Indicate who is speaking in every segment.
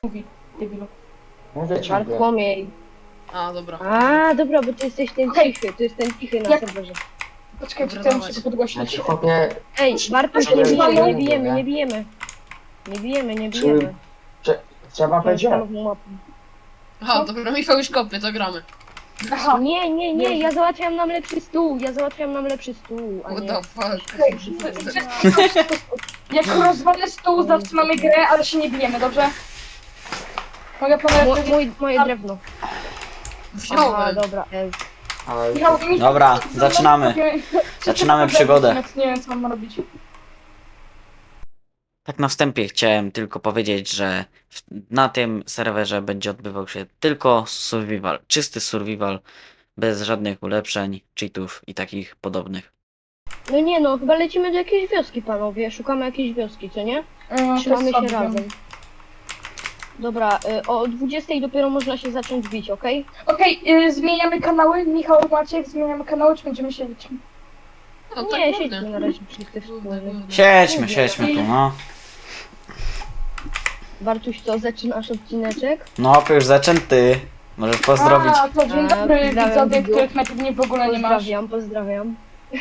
Speaker 1: mówi, debilu.
Speaker 2: Mówię ciągle.
Speaker 3: Bartłomiej.
Speaker 4: A, dobra.
Speaker 3: A, dobra, bo ty jesteś ten
Speaker 1: Okej.
Speaker 3: cichy, to jest ten cichy na
Speaker 1: Jak-
Speaker 3: serwerze.
Speaker 1: Poczekajcie,
Speaker 4: Dobra,
Speaker 1: to muszę
Speaker 4: dawaj.
Speaker 1: to podgłośnić.
Speaker 2: Znaczy chłopie,
Speaker 3: Ej, Bartuś,
Speaker 2: Dobra,
Speaker 3: nie bijemy,
Speaker 2: dobra,
Speaker 3: nie bijemy,
Speaker 2: dobra.
Speaker 3: nie bijemy. Nie bijemy, nie
Speaker 2: Czy-
Speaker 3: bijemy.
Speaker 2: trzeba będzie.
Speaker 3: Stalową mapą.
Speaker 4: Aha, dobra, Michał już kopie, to gramy.
Speaker 1: Aha,
Speaker 3: Nie, ja załatwiam nam lepszy stół, a
Speaker 4: What
Speaker 3: nie...
Speaker 4: the fuck?
Speaker 1: okej. Jak rozwalę stół, zatrzymamy grę, ale się nie bijemy, dobrze? Mogę panowie
Speaker 3: Moje drewno. Aha,
Speaker 4: Wziąłem.
Speaker 3: dobra,
Speaker 2: Ale
Speaker 1: Michał,
Speaker 5: Dobra, zaczynamy. Zaczynamy przygodę.
Speaker 1: Nie wiem, co mam robić.
Speaker 5: Tak na wstępie chciałem tylko powiedzieć, że na tym serwerze będzie odbywał się tylko survival, czysty survival, bez żadnych ulepszeń, cheatów i takich podobnych.
Speaker 3: No nie no, chyba lecimy do jakiejś wioski, panowie. Szukamy jakiejś wioski, co nie?
Speaker 1: To
Speaker 3: Trzymamy
Speaker 1: jest
Speaker 3: się
Speaker 1: słabe.
Speaker 3: razem. Dobra, o 20 dopiero można się zacząć bić, okej?
Speaker 1: Okej, zmieniamy kanały. Michał, Maciek, zmieniamy kanały, czy będziemy siedzieć?
Speaker 4: No,
Speaker 3: Nie,
Speaker 4: tak
Speaker 3: siedźmy na razie wszyscy
Speaker 4: Kurde,
Speaker 3: wspólnie.
Speaker 4: kurde.
Speaker 5: Siedźmy tu, no.
Speaker 3: Bartuś, co, zaczynasz odcineczek?
Speaker 5: No, już zaczęty. Możesz pozdrowić.
Speaker 1: A, to dzień
Speaker 3: A,
Speaker 1: dobry,
Speaker 3: pozdrawiam
Speaker 1: widzowie,
Speaker 3: widzów.
Speaker 1: których najpewniej w ogóle nie masz.
Speaker 3: Pozdrawiam.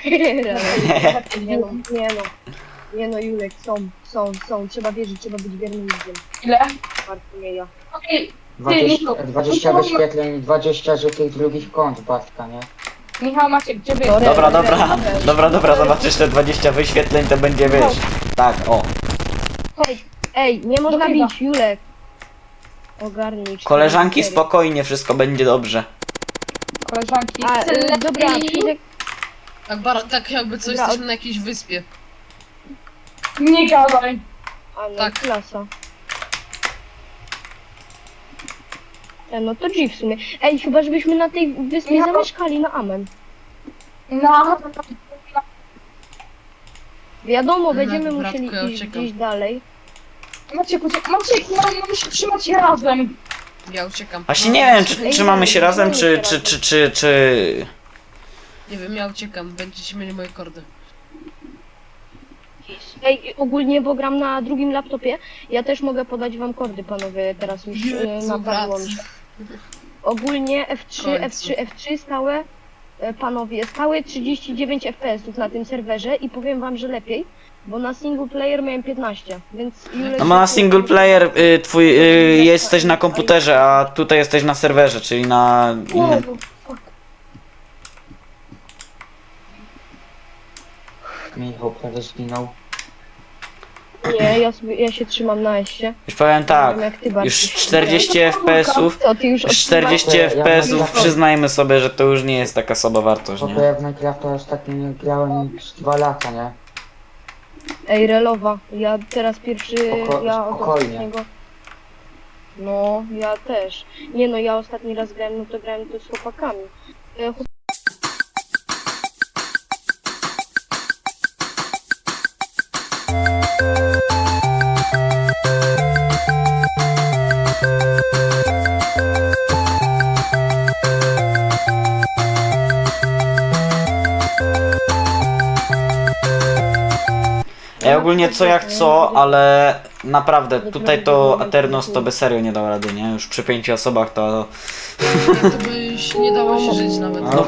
Speaker 3: Nie no, Julek, są. Trzeba wierzyć, trzeba być wiernym ludziom.
Speaker 1: Ile?
Speaker 3: Bartłomieja.
Speaker 1: Okej,
Speaker 2: 20 wyświetleń, 20 że tych drugich kont Bartka, nie?
Speaker 1: Michał, Maciek, gdzie wy?
Speaker 3: Sorry.
Speaker 5: Dobra, zobaczysz te 20 wyświetleń, to będzie, wiesz. Tak, o.
Speaker 3: Ej, nie można
Speaker 1: Dogrywa.
Speaker 3: bić, Julek. Ogarnij.
Speaker 5: Koleżanki,
Speaker 3: 4.
Speaker 5: spokojnie, wszystko będzie dobrze.
Speaker 1: Koleżanki,
Speaker 3: A, dobra, Fizek,
Speaker 4: Tak jakby coś,
Speaker 3: Dobra,
Speaker 4: jesteśmy na jakiejś wyspie.
Speaker 1: nie gadaj.
Speaker 3: a no,
Speaker 4: Tak.
Speaker 3: klasa. No to G w sumie. Ej, chyba żebyśmy na tej wyspie
Speaker 1: Michał.
Speaker 3: zamieszkali na amen.
Speaker 1: No,
Speaker 3: Wiadomo,
Speaker 4: Mhm,
Speaker 3: będziemy
Speaker 4: bratku,
Speaker 3: musieli
Speaker 4: ja
Speaker 3: iść
Speaker 4: uciekam.
Speaker 3: gdzieś dalej.
Speaker 1: Maciek, mamy się trzymać razem.
Speaker 4: Ja uciekam.
Speaker 5: Właśnie nie wiem, czy trzymamy się razem, czy...
Speaker 4: Nie wiem, ja uciekam. Będziecie mieli moje kordy.
Speaker 3: Ej, ogólnie, bo gram na drugim laptopie, ja też mogę podać wam kordy, panowie, teraz już napadło mi się. Ogólnie F3,
Speaker 4: Końcu.
Speaker 3: F3 stałe, panowie, stałe 39 FPS-ów na tym serwerze i powiem wam, że lepiej, bo na single player miałem 15, więc Julek...
Speaker 5: No bo na single player jesteś na komputerze, a tutaj jesteś na serwerze, czyli na innym.
Speaker 1: Jezu, fuck.
Speaker 2: Michał prawie zginął.
Speaker 3: Nie, ja się trzymam na S-ie.
Speaker 5: Już powiem tak,
Speaker 3: Nie wiem, jak ty, Bartuś.
Speaker 5: już 40 FPS-ów,
Speaker 3: Co, ty już
Speaker 5: 40 FPS-ów, przyznajmy sobie, że to już nie jest taka słaba wartość,
Speaker 2: Chłopie,
Speaker 5: nie?
Speaker 2: ja w Minecrafta ostatnio nie grałem już 2 lata, nie?
Speaker 3: Ej, relowa, ja teraz pierwszy, ja od
Speaker 2: Spokojnie.
Speaker 3: ostatniego... No, ja też. Nie no, ja ostatni raz grałem, no to grałem to z chłopakami.
Speaker 5: Ja ogólnie co jak co, ale naprawdę tutaj to Aternos to by serio nie dał rady, nie? Już przy 5 osobach to...
Speaker 4: To by się nie dało się żyć nawet.
Speaker 5: No.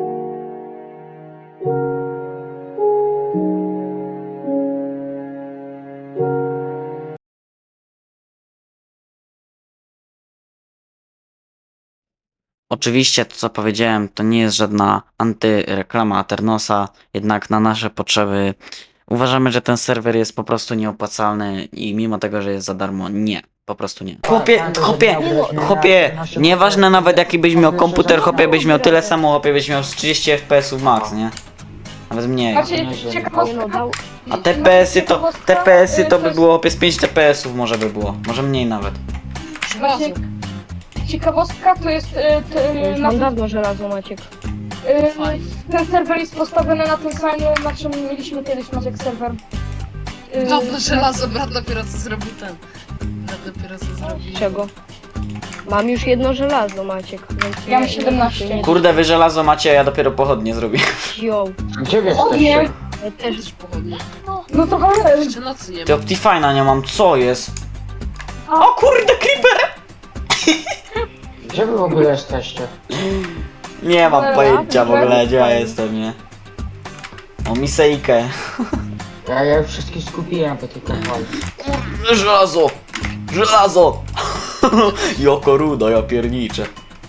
Speaker 5: Oczywiście to co powiedziałem to nie jest żadna antyreklama Aternosa, jednak na nasze potrzeby uważamy, że ten serwer jest po prostu nieopłacalny i mimo tego, że jest za darmo, nie. Po prostu nie. Chłopie, nieważne nawet jaki byś miał komputer, chłopie byś miał tyle samo, chłopie byś miał z 30 FPS-ów max, nie? Nawet mniej.
Speaker 1: Macie
Speaker 3: Nie no,
Speaker 1: ciekawostka?
Speaker 3: dał...
Speaker 5: A TPS-y to by było chłopie z 5 TPS-ów może by było, może mniej nawet.
Speaker 4: Żelazo.
Speaker 1: Ciekawostka to jest
Speaker 3: Już mam dawno żelazo, Maciek.
Speaker 1: ten serwer jest postawiony na tym samym, na czym mieliśmy kiedyś Maciek serwer.
Speaker 4: Dawno żelazo, brat dopiero co zrobił ten. Brat dopiero co zrobił.
Speaker 3: Czego? Mam już jedno żelazo, Maciek, więc...
Speaker 1: Ja mam 17.
Speaker 5: Kurde, wy żelazo macie, a ja dopiero pochodnie zrobię.
Speaker 3: Yo,
Speaker 2: Gdzie wy
Speaker 1: O nie!
Speaker 2: jesteście?
Speaker 3: ja też...
Speaker 4: Też pochodnie.
Speaker 1: No to ale...
Speaker 4: Jeszcze nocy nie
Speaker 5: Ty
Speaker 4: ma.
Speaker 5: Optifine'a nie mam, co jest? O kurde, creeper!
Speaker 2: Gdzie wy w ogóle jesteście?
Speaker 5: Nie mam
Speaker 1: Dobra,
Speaker 5: pojęcia w
Speaker 1: dobra.
Speaker 5: ogóle, gdzie ja jestem, nie? O, misejkę.
Speaker 2: Ja już wszystkich skupiłem po tej kontroli.
Speaker 5: Żelazo! Żelazo! Joko rudo, ja pierniczę.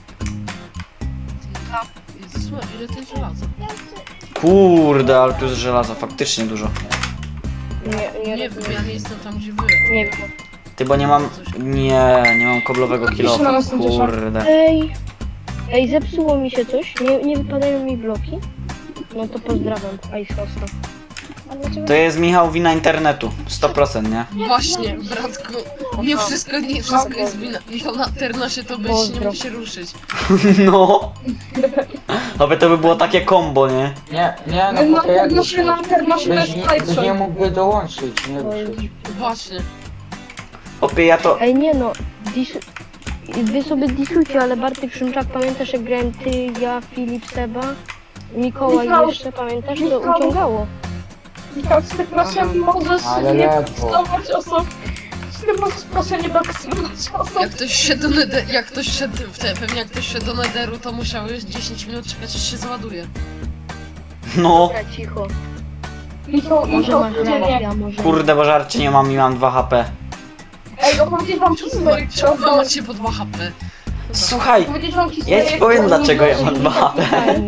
Speaker 4: Słuchaj, ile to jest żelaza?
Speaker 5: Kurde, ale tu jest żelaza, faktycznie dużo.
Speaker 3: Nie
Speaker 4: Nie wiem,
Speaker 3: rozumiem.
Speaker 4: ja nie jestem tam, gdzie wy.
Speaker 3: Nie wiem.
Speaker 5: Ty, bo nie mam... Nie mam koblowego kilofa, kurde.
Speaker 3: Ej, zepsuło mi się coś. Nie wypadają mi bloki. No to pozdrawiam, Ice Hosta.
Speaker 5: To jest, Michał, wina internetu. 100%, nie?
Speaker 4: Właśnie, bratku. Nie wszystko jest wina. Michał na Ternosie to byś nie
Speaker 3: Pozdro.
Speaker 4: mógł się ruszyć.
Speaker 5: No. Aby to by było takie combo, nie?
Speaker 2: Nie,
Speaker 1: No,
Speaker 2: no bo to jak
Speaker 1: no, no,
Speaker 2: byś nie mógł dołączyć, nie ruszyć.
Speaker 4: Właśnie.
Speaker 5: Opie, ja to...
Speaker 3: Ej, nie no. Wy sobie disujcie, ale Bartek Szymczak, pamiętasz jak grałem ty, ja, Filip, Seba, Mikołaj
Speaker 1: Michał.
Speaker 3: jeszcze, pamiętasz? To
Speaker 1: Michał.
Speaker 3: uciągało.
Speaker 1: Michał, czy ty proszę możesz
Speaker 2: Ale
Speaker 1: nie
Speaker 2: ledwo.
Speaker 1: doksymować osób? Czy ty możesz proszę nie doksymować osób?
Speaker 4: Jak ktoś szedł do Nederu, pewnie jak ktoś szedł do Nederu, to musiałeś 10 minut czekać, aż się załaduje.
Speaker 5: No.
Speaker 3: Dobra, cicho.
Speaker 1: Michał,
Speaker 3: Może
Speaker 1: Michał,
Speaker 3: masz
Speaker 1: nie,
Speaker 3: rację,
Speaker 1: nie.
Speaker 3: a może...
Speaker 5: Kurde, bo żarcie nie mam i mam 2 HP.
Speaker 1: Ej, opowiedzieć wam historię,
Speaker 4: Czemu wy
Speaker 1: którą...
Speaker 4: macie po 2 HP?
Speaker 5: Słuchaj,
Speaker 1: Opowiedzieć wam historię,
Speaker 5: ja ci powiem
Speaker 1: którą
Speaker 5: dlaczego ja
Speaker 1: nie
Speaker 5: mam 2 HP.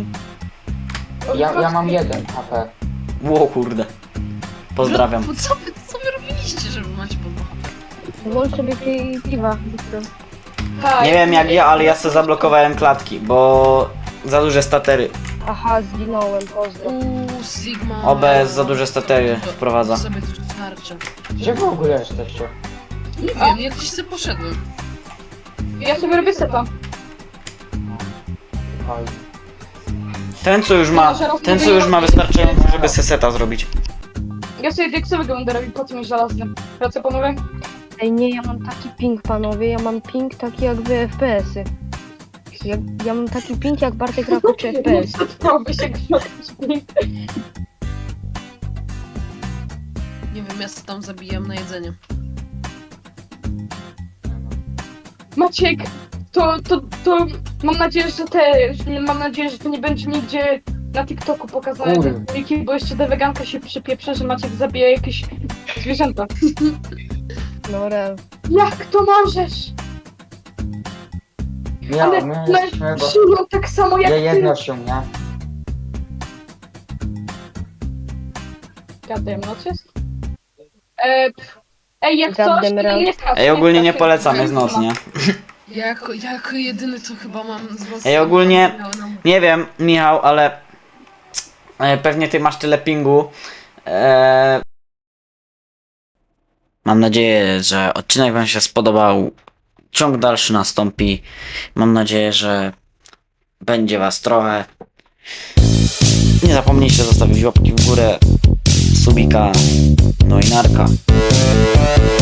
Speaker 2: Ja mam 1 HP.
Speaker 5: Ło kurde. Pozdrawiam.
Speaker 4: No, co wy robiliście, żeby macie po 2 HP?
Speaker 3: Włącz sobie piwa, Wiktor.
Speaker 1: Tak.
Speaker 5: Nie wiem jak ja, ale ja sobie zablokowałem klatki, bo za duże statery.
Speaker 3: Aha, zginąłem, pozdro.
Speaker 4: Sigma...
Speaker 5: OBS za duże statery wprowadza.
Speaker 4: Sobie tu starczy.
Speaker 2: Gdzie wy w ogóle jesteście?
Speaker 4: Nie wiem, jak gdzieś sobie poszedłem.
Speaker 1: Ja sobie robię seta.
Speaker 2: Oj.
Speaker 5: Ten co już ma wystarczająco, żeby seseta zrobić.
Speaker 1: Ja sobie diaksowego będę robił, po co mi żelazny. Pracę panowie?
Speaker 3: Ej, nie, ja mam taki ping, panowie, ja mam ping taki jak wy FPS-y. Ja mam taki ping jak Bartek Rakuczy FPS.
Speaker 1: Chciałby się grzać.
Speaker 4: Nie wiem, ja sobie tam zabijam na jedzenie.
Speaker 1: Maciek, to mam nadzieję, mam nadzieję, że to nie będzie nigdzie na TikToku pokazane
Speaker 2: Kurde.
Speaker 1: te filmiki, bo jeszcze ta weganka się przypieprze, że Maciek zabija jakieś zwierzęta.
Speaker 3: No real.
Speaker 1: Jak to możesz?
Speaker 2: Ja,
Speaker 1: Ale
Speaker 2: my
Speaker 1: no,
Speaker 2: jesteśmy, bo...
Speaker 1: przyjął tak samo jak
Speaker 2: Ja
Speaker 1: ty.
Speaker 2: jedno się, nie?
Speaker 1: Gadam, no jest? Ej, jak coś,
Speaker 3: Goddamn
Speaker 1: to
Speaker 3: right.
Speaker 1: nie stracę.
Speaker 5: Ej, ogólnie nie
Speaker 1: stracę.
Speaker 5: polecam, jest noc, nie?
Speaker 4: Ja jako jedyny to chyba mam z was...
Speaker 5: Ej, ogólnie- Nie wiem, Michał, ale pewnie ty masz tyle pingu. Mam nadzieję, że odcinek wam się spodobał. Ciąg dalszy nastąpi. Mam nadzieję, że będzie was trochę. Nie zapomnijcie zostawić łapki w górę, subika, no i narka.